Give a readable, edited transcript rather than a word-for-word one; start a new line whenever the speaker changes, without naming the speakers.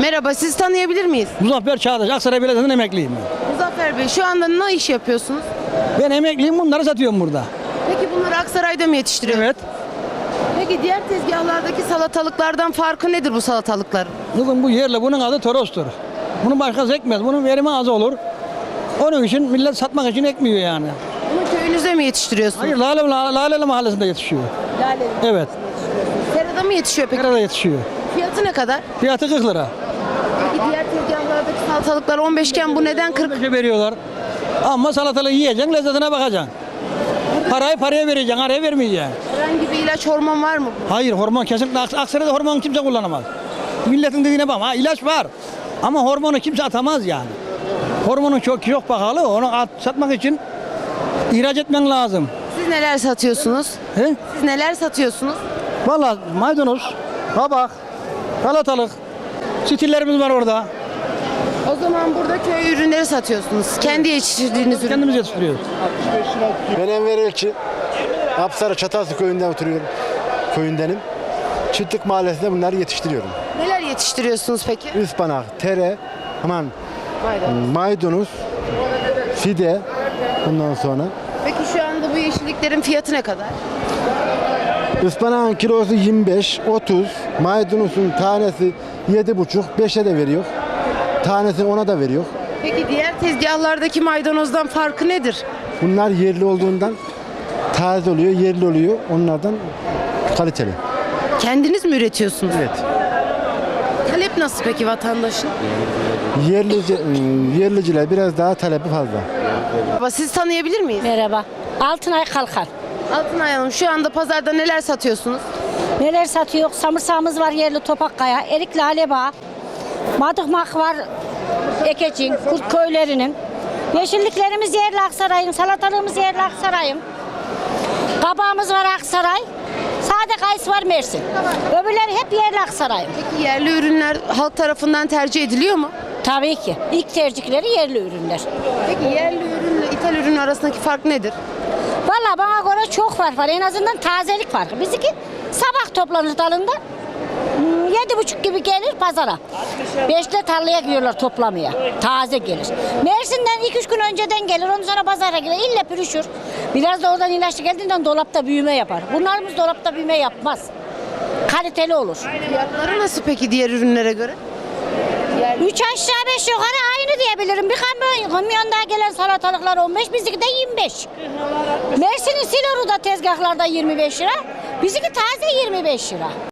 Merhaba, sizi tanıyabilir miyiz?
Muzaffer Çağdaş, Aksaray Belediyesi'nden emekliyim ben.
Muzaffer Bey, şu anda ne iş yapıyorsunuz?
Ben emekliyim, bunları satıyorum burada.
Peki bunları Aksaray'da mı yetiştiriyorsunuz?
Evet.
Peki diğer tezgahlardaki salatalıklardan farkı nedir bu salatalıkların?
Kızım bu yerli, bunun adı torostur. Bunu başkası ekmez, bunun verimi az olur. Onun için millet satmak için ekmiyor yani.
Bunu köyünüzde mi yetiştiriyorsunuz?
Hayır, Laleli Mahallesi'nde yetişiyor.
Lale.
Evet,
Serada mı yetişiyor peki?
nerede yetişiyor?
Fiyatı ne kadar?
Fiyatı 40 lira.
Peki diğer tezgahlardaki salatalıklar 15 iken bu neden 40?
45'e veriyorlar. Ama salatalığı yiyeceksin, lezzetine bakacaksın. Parayı paraya vereceksin, araya vermeyeceksin.
Herhangi bir ilaç, hormon var mı?
Hayır, hormon kesinlikle. Aksaray'da hormon kimse kullanamaz. Milletin dediğine bak, ha ilaç var. Ama hormonu kimse atamaz yani. Hormonun çok pahalı. Onu satmak için ihraç etmen lazım.
Siz neler satıyorsunuz?
He?
Siz neler satıyorsunuz?
Vallahi maydanoz, kabak, salatalık, stillerimiz var orada.
O zaman burada köy ürünleri satıyorsunuz. Kendi yetiştirdiğiniz ürün.
Kendimiz yetiştiriyoruz.
Ben Enver Elçi. Apsarı Çatalsı köyünden oturuyorum. Köyündenim. Çiftlik mahallesinde bunları yetiştiriyorum.
Neler yetiştiriyorsunuz peki?
Ispanak, tere, maydanoz, fide bundan sonra.
Peki şu anda bu yeşilliklerin fiyatı ne kadar?
Ispanağın kilosu 25, 30, maydanozun tanesi 7,5, 5'e de veriyor. Tanesini ona da veriyor.
Peki diğer tezgahlardaki maydanozdan farkı nedir?
Bunlar yerli olduğundan taze oluyor, yerli oluyor. Onlardan kaliteli.
Kendiniz mi üretiyorsunuz?
Evet.
Talep nasıl peki vatandaşın?
Yerliciler biraz daha talebi fazla.
Baba, siz tanıyabilir miyiz?
Merhaba. Altınay Kalkan.
Altınay Hanım, şu anda pazarda neler satıyorsunuz?
Neler satıyor? Samırsağımız var yerli Topakkaya, erik lale bağı, madıkmak var Ekecin, Kurt köylerinin. Yeşilliklerimiz yerli Aksaray'ın, salatalığımız yerli Aksaray'ın. Kabağımız var Aksaray. Sade kayısı var Mersin. Öbürleri hep yerli Aksaray'ın.
Peki yerli ürünler halk tarafından tercih ediliyor mu?
Tabii ki. İlk tercihleri yerli ürünler.
Peki yerli ürünle ithal ürün arasındaki fark nedir?
Vallahi bana göre çok fark var. En azından tazelik farkı. Bizimki sabah toplanır dalında. 7.30 gibi gelir pazara. 5'te tarlaya giriyorlar toplamaya. Taze gelir. Mersin'den 2-3 gün önceden gelir. Ondan sonra pazara girer. İlle pürüşür. Biraz da oradan ilaçlı geldiğinden dolapta büyüme yapar. Bunlarımız dolapta büyüme yapmaz. Kaliteli olur.
Fiyatları nasıl peki diğer ürünlere göre?
3 aşağı 5 yukarı aynı diyebilirim. Bir kamyonda gelen salatalıklar 15, bizimki de 25. Mersin'in Siloru'da tezgahlarda 25 lira. Bizimki taze 25 lira.